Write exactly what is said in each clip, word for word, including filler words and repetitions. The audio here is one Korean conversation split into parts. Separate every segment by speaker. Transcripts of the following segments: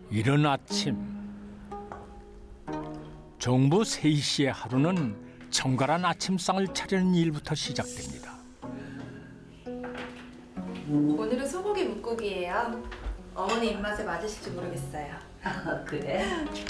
Speaker 1: 이른 아침 정부 세희 씨의 하루는 정갈한 아침상을 차리는 일부터 시작됩니다.
Speaker 2: 오늘은 소고기 묵국이에요. 어머니 입맛에 맞으실지 모르겠어요.
Speaker 3: 아, 그래?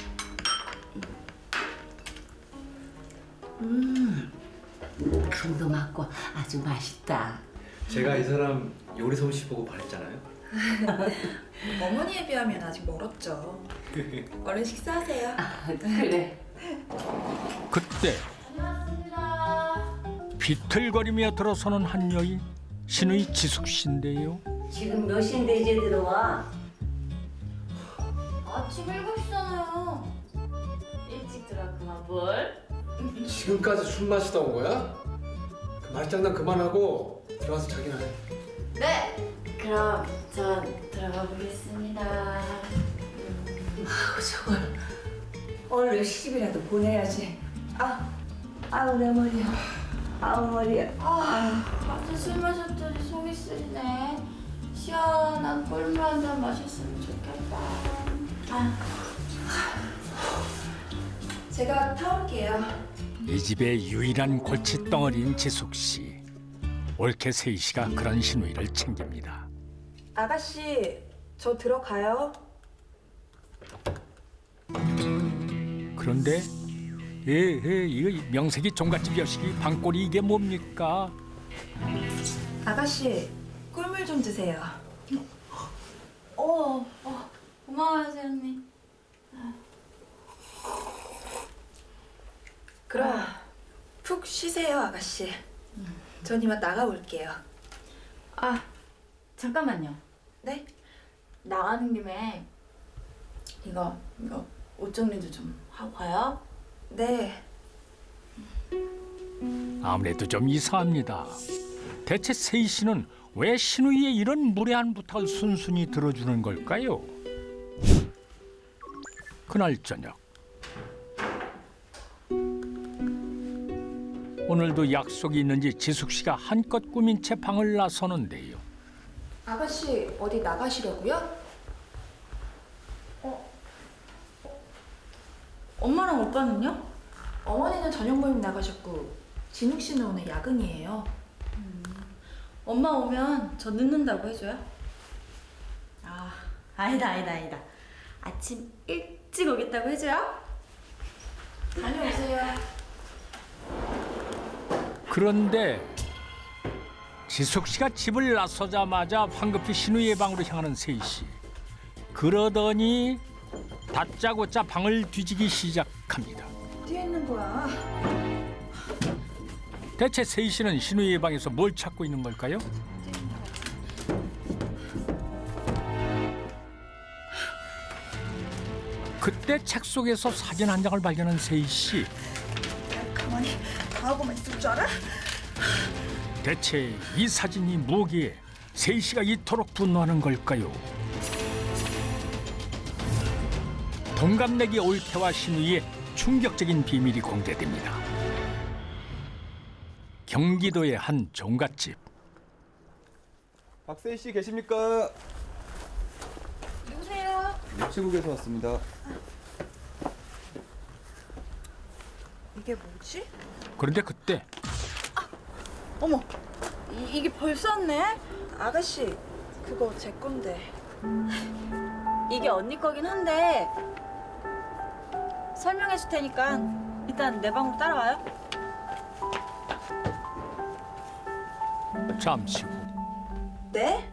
Speaker 3: 음, 간도 맞고 아주 맛있다.
Speaker 4: 제가 이 사람 요리 솜씨 보고 반했잖아요.
Speaker 2: 어머니에 비하면 아직 멀었죠. 얼른 식사하세요.
Speaker 3: 아, 그래.
Speaker 1: 그때 비틀거리며 들어서는 한 여인, 신의 지숙 씨인데요.
Speaker 3: 지금 몇 시인데 이제 들어와?
Speaker 5: 아침 일곱 시잖아요. 일찍 들어왔구만 뭘?
Speaker 4: 지금까지 술 마시다 온 거야? 그 말장난 그만하고 들어가서 자기나 해.
Speaker 5: 네. 그럼 전 들어가 보겠습니다.
Speaker 3: 아우, 저걸 오늘 시집이라도 보내야지. 아, 아우 내 머리야. 아우 머리야.
Speaker 5: 아, 밤새 술 마셨더니 속이 쓰리네. 시원한 꿀물 한 잔 마셨으면 좋겠다. 아,
Speaker 2: 제가 타올게요.
Speaker 1: 이 집의 유일한 골칫덩어리인 지숙 씨. 옳게 세희 씨가 그런 신우이를 챙깁니다.
Speaker 2: 아가씨, 저 들어가요.
Speaker 1: 그런데 에에 이거 명색이 종갓집 여식이 방골이 이게 뭡니까?
Speaker 2: 아가씨, 꿀물 좀 드세요.
Speaker 5: 어, 어, 고마워요 세연님.
Speaker 2: 그럼 푹 쉬세요, 아가씨. 전 이만 나가볼게요.
Speaker 5: 아, 잠깐만요.
Speaker 2: 네?
Speaker 5: 나가는 김에 이거 이거 옷 정리도 좀 하고 가요.
Speaker 2: 네.
Speaker 1: 아무래도 좀 이상합니다. 대체 세희 씨는 왜 신우이의 이런 무례한 부탁을 순순히 들어주는 걸까요? 그날 저녁 오늘도 약속이 있는지 지숙 씨가 한껏 꾸민 채 방을 나서는데요.
Speaker 2: 아가씨, 어디 나가시려고요?
Speaker 5: 엄마랑 오빠는요?
Speaker 2: 어머니는 저녁 모임 나가셨고 진욱 씨는 오늘 야근이에요.
Speaker 5: 엄마 오면 저 늦는다고 해줘요? 아, 아니다 아니다 아니다. 아침 일찍 오겠다고 해줘요?
Speaker 2: 다녀오세요.
Speaker 1: 그런데 지숙 씨가 집을 나서자마자 황급히 신우이의 방으로 향하는 세희 씨. 그러더니 다짜고짜 방을 뒤지기 시작합니다.
Speaker 2: 어디에 있는 거야?
Speaker 1: 대체 세희 씨는 신우이의 방에서 뭘 찾고 있는 걸까요? 그때 책 속에서 사진 한 장을 발견한 세희 씨.
Speaker 2: 가만히 나하고만 있을 줄 알아?
Speaker 1: 대체 이 사진이 뭐기에 세희 씨가 이토록 분노하는 걸까요? 동갑내기 올케와 신우이의 충격적인 비밀이 공개됩니다. 경기도의 한 종갓집.
Speaker 6: 박세희 씨 계십니까?
Speaker 2: 누구세요?
Speaker 6: 유치국에서 왔습니다.
Speaker 2: 이게 뭐지?
Speaker 1: 그런데 그때
Speaker 2: 어머, 이, 이게 벌써 왔네? 아가씨, 그거 제 건데.
Speaker 5: 이게 언니 거긴 한데 설명해 줄 테니까 일단 내 방으로 따라와요.
Speaker 1: 잠시 후
Speaker 2: 네?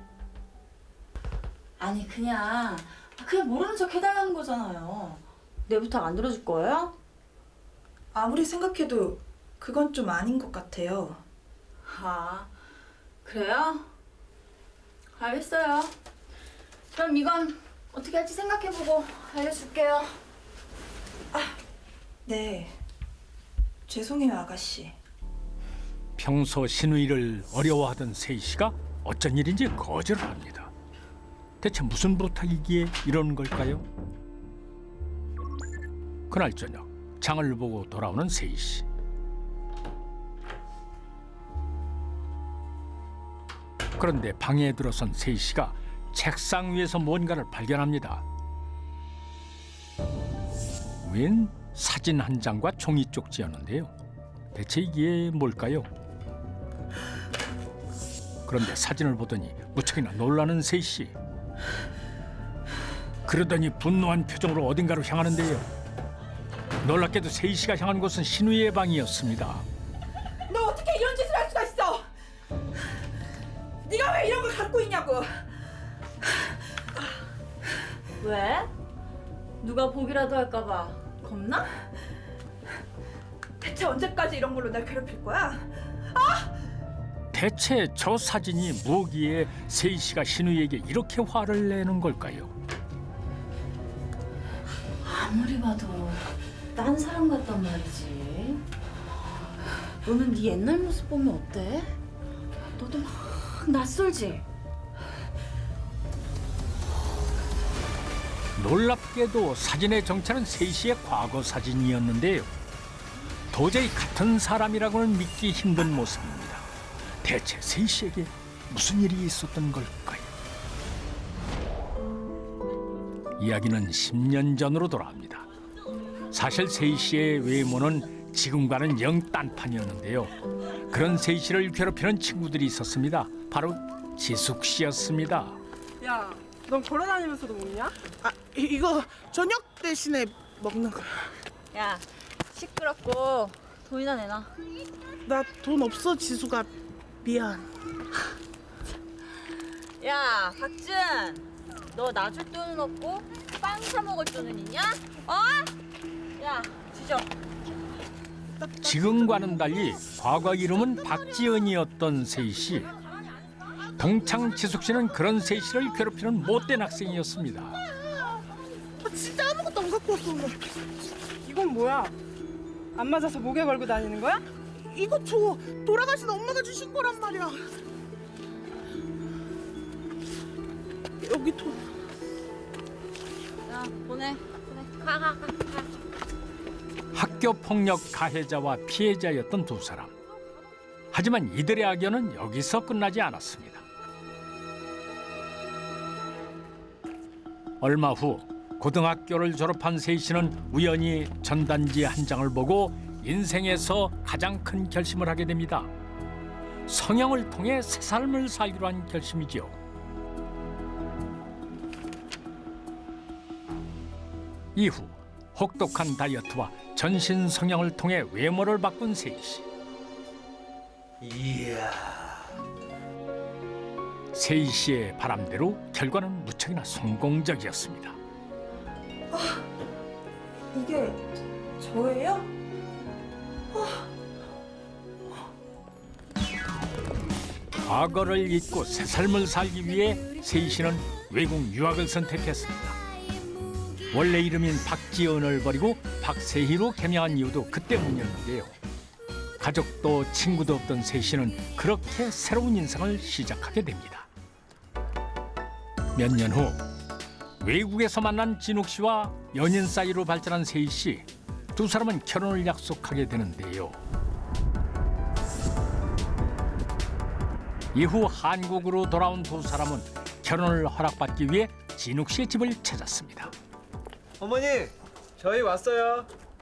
Speaker 5: 아니 그냥 그냥 모르는 척 해달라는 거잖아요. 내 부탁 안 들어줄 거예요?
Speaker 2: 아무리 생각해도 그건 좀 아닌 것 같아요.
Speaker 5: 아, 그래요? 알겠어요. 그럼 이건 어떻게 할지 생각해보고 알려줄게요.
Speaker 2: 네. 죄송해요, 아가씨.
Speaker 1: 평소 신우이를 어려워하던 세희 씨가 어쩐 일인지 거절을 합니다. 대체 무슨 부탁이기에 이러는 걸까요? 그날 저녁 장을 보고 돌아오는 세희 씨. 그런데 방에 들어선 세희 씨가 책상 위에서 뭔가를 발견합니다. 웬 사진 한 장과 종이 쪽지였는데요. 대체 이게 뭘까요? 그런데 사진을 보더니 무척이나 놀라는 세희 씨. 그러더니 분노한 표정으로 어딘가로 향하는데요. 놀랍게도 세희 씨가 향한 곳은 신우의 방이었습니다.
Speaker 3: 너 어떻게 이런 짓을 할 수가 있어? 네가 왜 이런 걸 갖고 있냐고?
Speaker 5: 왜? 누가 보기라도 할까봐 겁나?
Speaker 2: 대체 언제까지 이런 걸로 날 괴롭힐 거야?
Speaker 1: 대체 저 사진이 뭐기에 세희 씨가 신우에게 이렇게 화를 내는 걸까요?
Speaker 5: 아무리 봐도 딴 사람 같단 말이지. 너는 네 옛날 모습 보면 어때? 너도 막 낯설지?
Speaker 1: 놀랍게도 사진의 정체는 세희 씨의 과거 사진이었는데요. 도저히 같은 사람이라고는 믿기 힘든 모습입니다. 대체 세희 씨에게 무슨 일이 있었던 걸까요? 이야기는 십 년 전으로 돌아갑니다. 사실 세희 씨의 외모는 지금과는 영 딴판이었는데요. 그런 세희 씨를 괴롭히는 친구들이 있었습니다. 바로 지숙 씨였습니다.
Speaker 7: 야, 넌 걸어다니면서도 먹냐? 아, 이, 이거 저녁 대신에 먹는 거야.
Speaker 5: 야, 시끄럽고 돈이나 내놔.
Speaker 7: 나 돈 없어, 지수가. 미안.
Speaker 5: 야, 박준, 너 나 줄 돈은 없고 빵 사 먹을 돈은 있냐? 어? 야, 지져.
Speaker 1: 지금과는 달리 과거 이름은 박지은이었던 세희 씨. 동창 지숙 씨는 그런 세희 씨를 괴롭히는 못된 학생이었습니다.
Speaker 7: 아, 진짜 아무것도 안 갖고 왔어, 오늘. 이건 뭐야? 안 맞아서 목에 걸고 다니는 거야? 이거 줘. 돌아가신 엄마가 주신 거란 말이야. 여기 돈.
Speaker 5: 야, 보내. 보내. 가, 가, 가, 가.
Speaker 1: 학교 폭력 가해자와 피해자였던 두 사람. 하지만 이들의 악연은 여기서 끝나지 않았습니다. 얼마 후 고등학교를 졸업한 세희 씨는 우연히 전단지 한 장을 보고 인생에서 가장 큰 결심을 하게 됩니다. 성형을 통해 새 삶을 살기로 한 결심이죠. 이후 혹독한 다이어트와 전신 성형을 통해 외모를 바꾼 세희 씨.
Speaker 4: 이야.
Speaker 1: 세희 씨의 바람대로 결과는 무척이나 성공적이었습니다.
Speaker 2: 이게 저예요?
Speaker 1: 과거를 잊고 새 삶을 살기 위해 세희 씨는 외국 유학을 선택했습니다. 원래 이름인 박지은을 버리고 박세희로 개명한 이유도 그 때문이었는데요. 가족도 친구도 없던 세희 씨는 그렇게 새로운 인생을 시작하게 됩니다. 몇 년 후 외국에서 만난 진욱 씨와 연인 사이로 발전한 세희 씨. 두 사람은 결혼을 약속하게 되는데요. 이후 한국으로 돌아온 두 사람은 결혼을 허락받기 위해 진욱 씨의 집을 찾았습니다.
Speaker 6: 어머니, 저희 왔어요.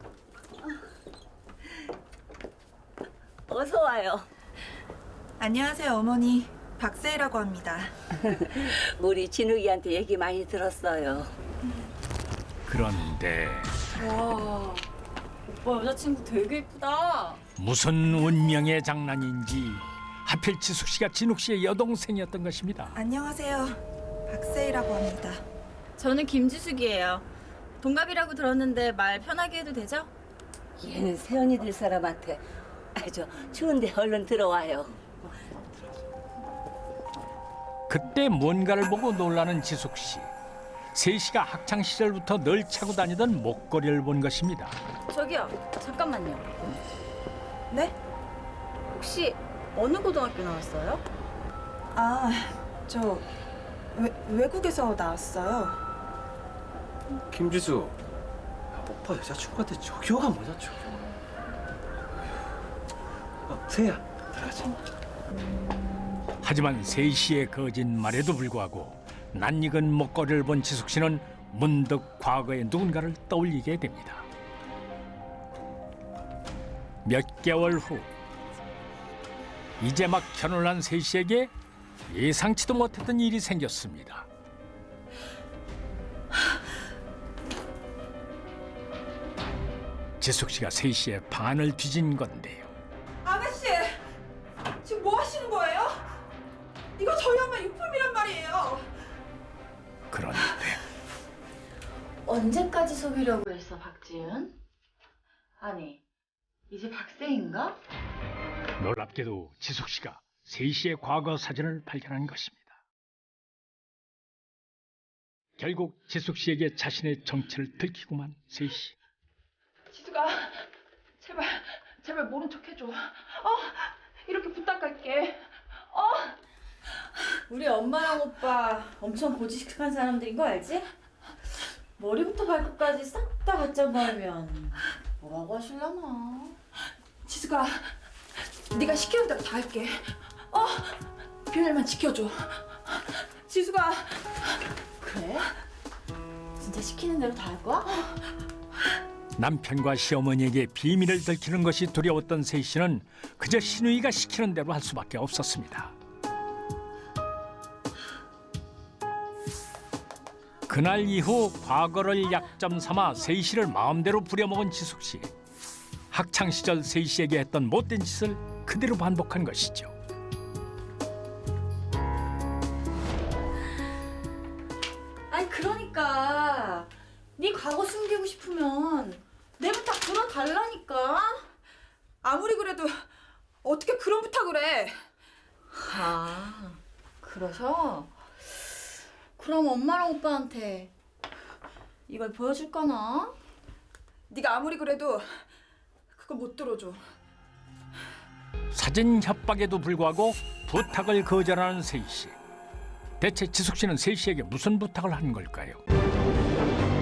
Speaker 3: 어서 와요.
Speaker 2: 안녕하세요, 어머니. 박세희라고 합니다.
Speaker 3: 우리 진욱이한테 얘기 많이 들었어요.
Speaker 1: 그런데
Speaker 5: 와, 오빠 여자친구 되게 이쁘다.
Speaker 1: 무슨 운명의 장난인지 하필 지숙 씨가 진욱 씨의 여동생이었던 것입니다.
Speaker 2: 안녕하세요. 박세희라고 합니다.
Speaker 5: 저는 김지숙이에요. 동갑이라고 들었는데 말 편하게 해도 되죠?
Speaker 3: 얘는 세연이 될 사람한테 아주 추운데 얼른 들어와요.
Speaker 1: 그때 뭔가를 보고 놀라는 지숙 씨. 세희 씨가 학창 시절부터 늘 차고 다니던 목걸이를 본 것입니다.
Speaker 5: 저기요, 잠깐만요.
Speaker 2: 네?
Speaker 5: 혹시 어느 고등학교 나왔어요?
Speaker 2: 아, 저 외, 외국에서 나왔어요.
Speaker 4: 김지수. 오빠 여자친구한테 저기요가 뭐냐, 저기요. 어, 세희야, 들어가자.
Speaker 1: 하지만 세희 씨의 거짓말에도 불구하고 낯익은 목걸이를 본 지숙 씨는 문득 과거의 누군가를 떠올리게 됩니다. 몇 개월 후 이제 막 결혼을 한 세희 씨에게 예상치도 못했던 일이 생겼습니다. 지숙 씨가 세희 씨의 반을 뒤진 건데요.
Speaker 2: 아가씨, 지금 뭐 하시는 거예요? 이거 저희 엄마 유품이란 말이에요.
Speaker 1: 그런데
Speaker 5: 언제까지 속이려고 했어, 박지은? 아니, 이제 박세인가?
Speaker 1: 놀랍게도 지숙 씨가 세희 씨의 과거 사진을 발견한 것입니다. 결국 지숙 씨에게 자신의 정체를 들키고만 세희 씨.
Speaker 5: 지수가 제발 제발 모른 척 해줘. 어 이렇게 부탁할게. 어 우리 엄마랑 오빠 엄청 고지식한 사람들인 거 알지? 머리부터 발끝까지 싹 다 갖다 버리면 뭐라고 하실라나?
Speaker 2: 지수가 네가 시키는 대로 다 할게. 어? 비밀만 지켜줘. 지수가
Speaker 5: 그래? 진짜 시키는 대로 다 할 거야?
Speaker 1: 남편과 시어머니에게 비밀을 들키는 것이 두려웠던 세희 씨는 그저 신우이가 시키는 대로 할 수밖에 없었습니다. 그날 이후 과거를 약점 삼아 세희 씨를 마음대로 부려먹은 지숙 씨. 학창 시절 세희 씨에게 했던 못된 짓을 그대로 반복한 것이죠.
Speaker 5: 아니 그러니까 네 과거 숨기고 싶으면 내가 딱 들어달라니까.
Speaker 2: 아무리 그래도 어떻게 그런 부탁을 해?
Speaker 5: 아 그러셔? 그럼 엄마랑 오빠한테 이걸 보여줄까나?
Speaker 2: 네가 아무리 그래도 그거 못 들어줘.
Speaker 1: 사진 협박에도 불구하고 부탁을 거절하는 세희 씨. 대체 지숙 씨는 세희 씨에게 무슨 부탁을 한 걸까요?